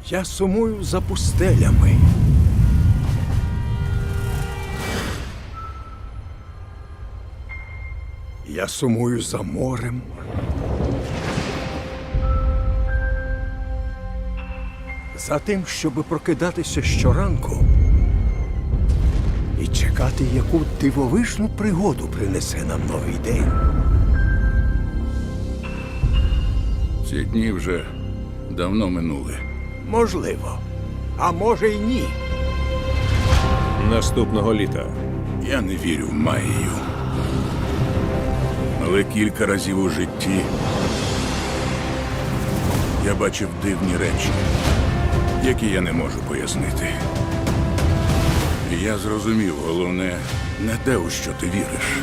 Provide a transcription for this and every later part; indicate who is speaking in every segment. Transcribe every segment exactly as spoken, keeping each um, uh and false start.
Speaker 1: Я сумую за пустелями. Я сумую за морем. За тим, щоби прокидатися щоранку і чекати, яку дивовижну пригоду принесе нам новий день.
Speaker 2: Ці дні вже давно минули.
Speaker 1: Можливо. А може й ні.
Speaker 3: Наступного літа.
Speaker 2: Я не вірю в магію. Але кілька разів у житті я бачив дивні речі, які я не можу пояснити. І я зрозумів, головне, не те, у що ти віриш,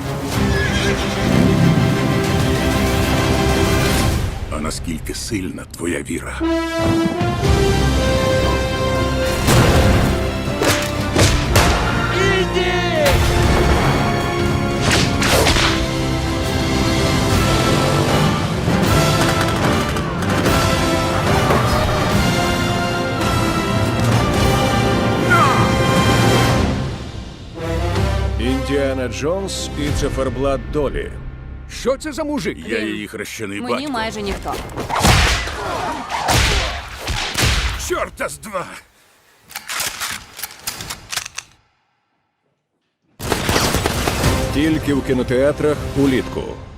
Speaker 2: а наскільки сильна твоя віра.
Speaker 3: Індіана Джонс і циферблат долі.
Speaker 1: Що це за мужик?
Speaker 2: Я її хрещений
Speaker 4: Мені
Speaker 2: батько.
Speaker 4: майже ніхто.
Speaker 2: Чорта з два!
Speaker 3: Тільки в кінотеатрах улітку.